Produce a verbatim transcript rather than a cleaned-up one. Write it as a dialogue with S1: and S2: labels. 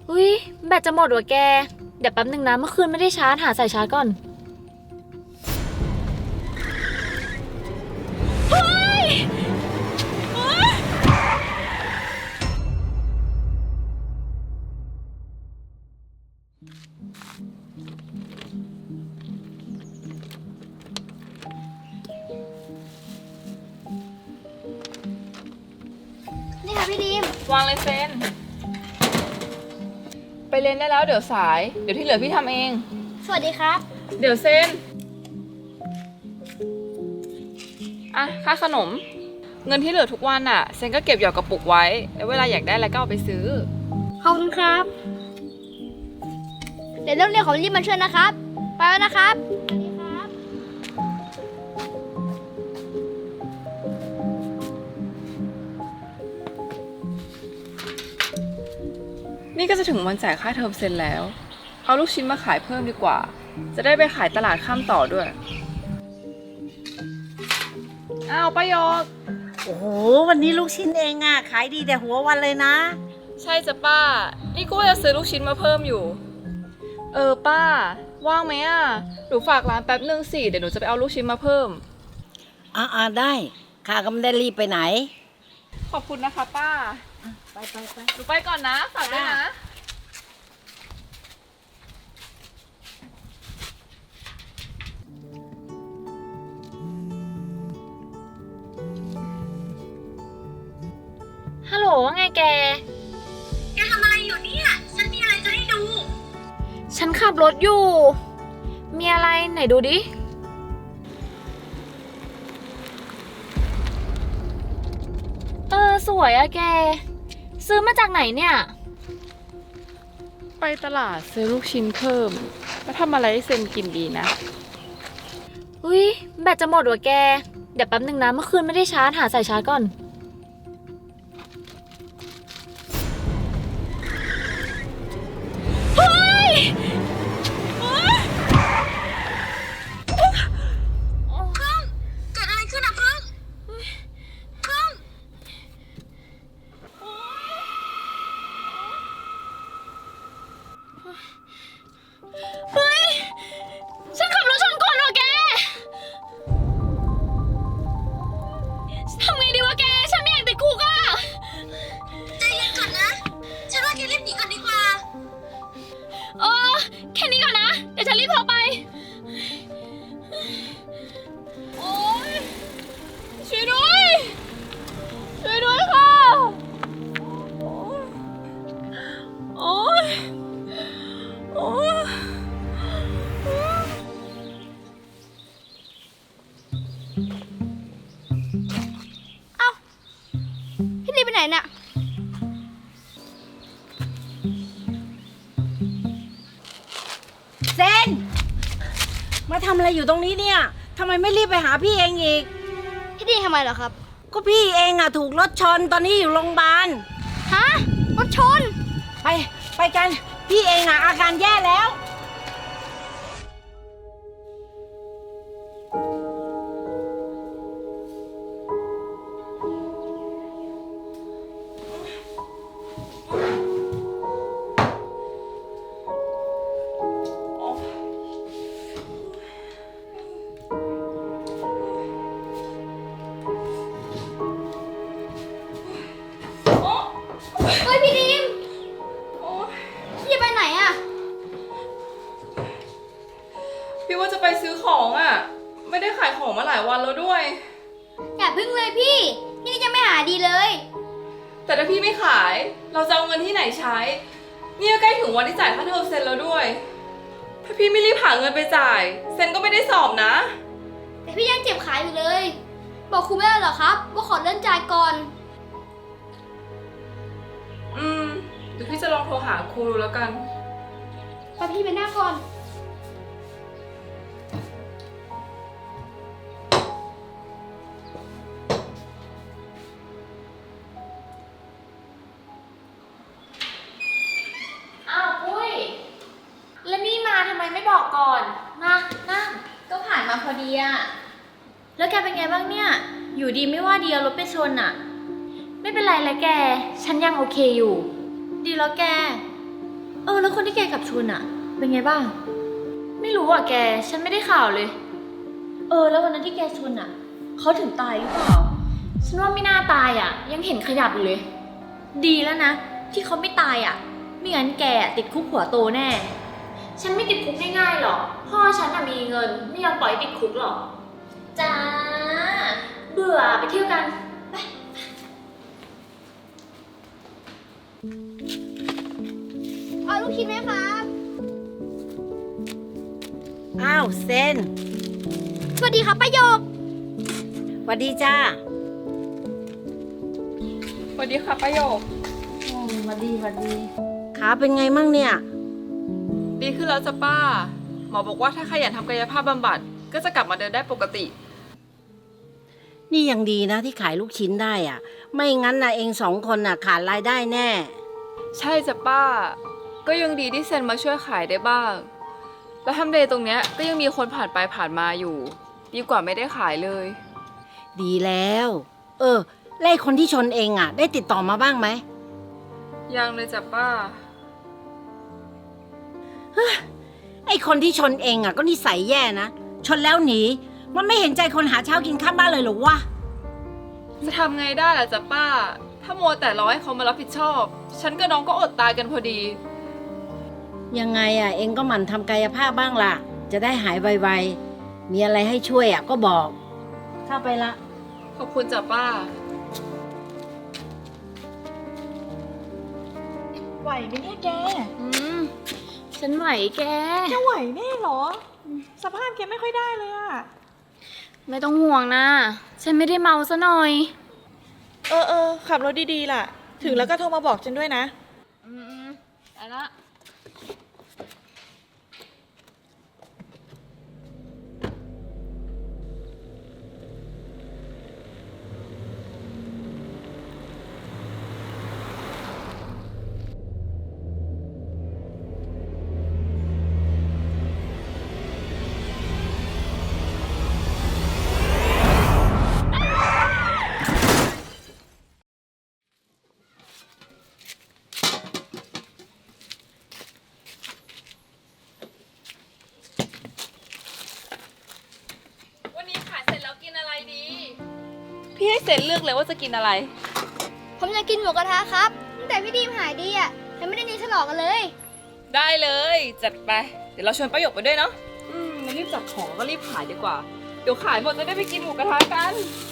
S1: อุ้ยแบตจะหมดว่ะแกเดี๋ยวแป๊บนึงนะเมื่อคืนไม่ได้ชาร์จหาสายชาร์จก่อนเฮ้ย
S2: นี่ค่ะพี่ดีม
S3: วางเลยเซนไปเรียนได้แล้วเดี๋ยวสาย เดี๋ยวที่เหลือพี่ทำเอง
S2: สวัสดีครับ
S3: เดี๋ยวเซนอ่ะค่าขนม เงินที่เหลือทุกวันอ่ะเซนก็เก็บหยอดกระปุกไว้ แล้วเวลาอยากได้อะไรก็เอาไปซื้อ
S2: ขอบคุณครับ เดี๋ยวเรื่องเรียนของรีบมาช่วยนะครับ ไปแล้วนะครับสวัสดีครับ
S3: นี่ก็จะถึงวันจ่ายค่าเทอมเซนแล้ว เอาลูกชิ้นมาขายเพิ่มดีกว่า จะได้ไปขายตลาดข้ามต่อด้วย อ้าวป้ายก
S4: โอ้โหวันนี้ลูกชิ้นเองอ่ะขายดีแต่หัววันเลยนะ
S3: ใช่จ้ะป้า นี่ก็ว่าจะซื้อลูกชิ้นมาเพิ่มอยู่ เออป้า ว่างไหมอ่ะ หนูฝากร้านแป๊บนึงสิ เดี๋ยวหนูจะไปเอาลูกชิ้นมาเพิ่ม
S4: อ่าอ่าได้ข้าก็ไม่ได้รีบไปไหน
S3: ขอบคุณนะคะป้า
S4: ไปไปไป
S3: หนูไปก่อนนะ ฝากด้วยนะ
S1: ฮัลโหลว่าไงแกแกทำอะไรอยู่เนี่ยฉันมีอะไรจะให้ดูฉันขับรถอยู่มีอะไรไหนดูดิเออสวยอะแกซื้อมาจากไหนเนี่ย
S3: ไปตลาดซื้อลูกชิ้นเพิ่ม แล้วทำอะไรให้เซนกินดีนะ
S1: อุ้ยแบตจะหมดว่ะแกเดี๋ยวแป๊บนึงนะเมื่อคืนไม่ได้ชาร์จหาสายชาร์จก่อนเฮ้ยพึ่งเกิดอะไรขึ้นอะพึ่งพึ่งเฮ้ยฉันขับรถชนก่อนว่ะแกทำไงดีวะแกฉันไม่อยากติดคุกอะใจเย็นก่อนนะฉันว่าแกรีบหนีก่อนดีกว่าเออแค่นี้ก่อนนะเดี๋ยวฉันรีบโทรไปโอ๊ยช่วยด้วยช่วยด้วยค่ะโอ๊ยโอ๊ย
S2: พี่ดีมไปไหนน่ะ
S4: เซนมาทำอะไรอยู่ตรงนี้เนี่ยทำไมไม่รีบไปหาพี่เองอีก
S2: พี่ดีมทำไมเหรอครับ
S4: ก็พี่เองอ่ะถูกรถชนตอนนี้อยู่โรงพยาบาล
S2: ฮะ รถชน
S4: ไปไปกันพี่เองอ่ะอาการแย่แล้ว
S2: เฮ้ยพี่ดีมพี่จะไปไหนอะ
S3: พี่ว่าจะไปซื้อของอ่ะ ไม่ได้ขายของมาหลายวันแล้วด้วย
S2: อย่าพึ่งเลยพี่ พี่นี่ยังไม่หาดีเลย
S3: แต่ถ้าพี่ไม่ขาย เราจะเอาเงินที่ไหนใช้ เนี่ยใกล้ถึงวันที่จ่ายค่าเทอมเซนแล้วด้วย ถ้าพี่ไม่รีบหาเงินไปจ่าย เซนก็ไม่ได้สอบนะ
S2: แต่พี่ยังเจ็บขาอยู่เลย บอกครูไม่ได้เหรอครับ ว่าขอเลื่อนจ่ายก่อน
S3: อืมเดี๋ยวพี่จะลองโทรหาครูดูแล้วกัน
S2: ไปพี่ไปหน้าก่อน
S1: อ้าวปุ้ยแล้วนี่มาทำไมไม่บอกก่อนมานั่ง
S5: ก็ผ่านมาพอดีอะแล้วแกเป็นไงบ้างเนี่ย อยู่ดีไม่ว่าดีเอารถไปชนอะ
S1: ไม่เป็นไรแล้วแกฉันยังโอเคอยู่
S5: ดีแล้วแกเออแล้วคนที่แกกับชุนอะเป็นไงบ้าง ไม่รู้อ่ะแก ฉันไม่ได้ข่าวเลย เออ แล้ววันนั้นที่แกชนอะเขาถึงตายหรือเปล่า ฉันว่าไม่น่าตายอะยังเห็นขยับอยู่เลย ดีแล้วนะ ที่เขาไม่ตายอะไม่งั้นแกอะติดคุกหัวโตแน่ ฉันไม่ติดคุกง่ายๆหรอก พ่อฉันอะมีเงิน ไม่ยอมปล่อยให้ติดคุกหรอก จ้า เบื่อไปเที่ยวกัน ไป
S2: เอาลูกชิ้นไหมครับ
S4: อ้าวเซน
S2: สวัสดีครับป้าโยก
S4: สวัสดีจ้า
S3: สวัสดีค่ะประโยค
S4: สวัสดีสวัสดีขาเป็นไงมั่งเนี่ย
S3: ดีขึ้นแล้วจ้ะป้า หมอบอกว่าถ้าขยันทำกายภาพบำบัดก็จะกลับมาเดินได้ปกติ
S4: นี่ยังดีนะที่ขายลูกชิ้นได้อ่ะ ไม่งั้นนะเองสองคนน่ะขาดรายได้แน่
S3: ใช่จ้ะป้า ก็ยังดีที่เซนมาช่วยขายได้บ้าง แล้วทำเลตรงเนี้ยก็ยังมีคนผ่านไปผ่านมาอยู่ ดีกว่าไม่ได้ขายเลย
S4: ดีแล้ว เออแล้วไอ้คนที่ชนเองอ่ะ ได้ติดต่อมาบ้างไหม
S3: ยังเลยจ้ะป้า
S4: ไอ้คนที่ชนเองอ่ะก็นิสัยแย่นะ ชนแล้วหนี มันไม่เห็นใจคนหาเช้ากินข้ามบ้านเลยเหรอวะ
S3: จะทำไงได้ล่ะจ๊ะป้า ถ้าโมวแต่รอให้เขามารับผิดชอบ ฉันกับน้องก็อดตายกันพอดี
S4: ยังไงอ่ะ เองก็หมั่นทำกายภาพบ้างล่ะ จะได้หายไวๆ มีอะไรให้ช่วยอ่ะก็บอก เข้าไปละ
S3: ขอบคุณจ้ะป้า
S6: ไหวไหมเนี่ยแก
S5: อืม ฉันไหวแก
S6: แกไหวแน่เหรอ สภาพแกไม่ค่อยได้เลยอะ
S5: ไม่ต้องห่วงนะ ฉันไม่ได้เมาซะหน่อย
S6: เออเออขับรถดีๆล่ะ ถึงแล้วก็โทรมาบอกฉันด้วยนะ
S5: อืมๆไปละ
S3: วันนี้ขายเสร็จแล้วกินอะไรดี พี่ให้เซนเลือกเลยว่าจะกินอะไร
S2: ผมอยากกินหมูกระทะครับตั้งแต่พี่ดีมหายดีอ่ะยังไม่ได้นีฉลองกันเลย
S3: ได้เลย จัดไป เดี๋ยวเราชวนประโยคไปด้วยเนาะ อืมงั้นรีบจัดของก็รีบขายดีกว่า เดี๋ยวขายหมดจะได้ไปกินหมูกระทะกัน
S2: ค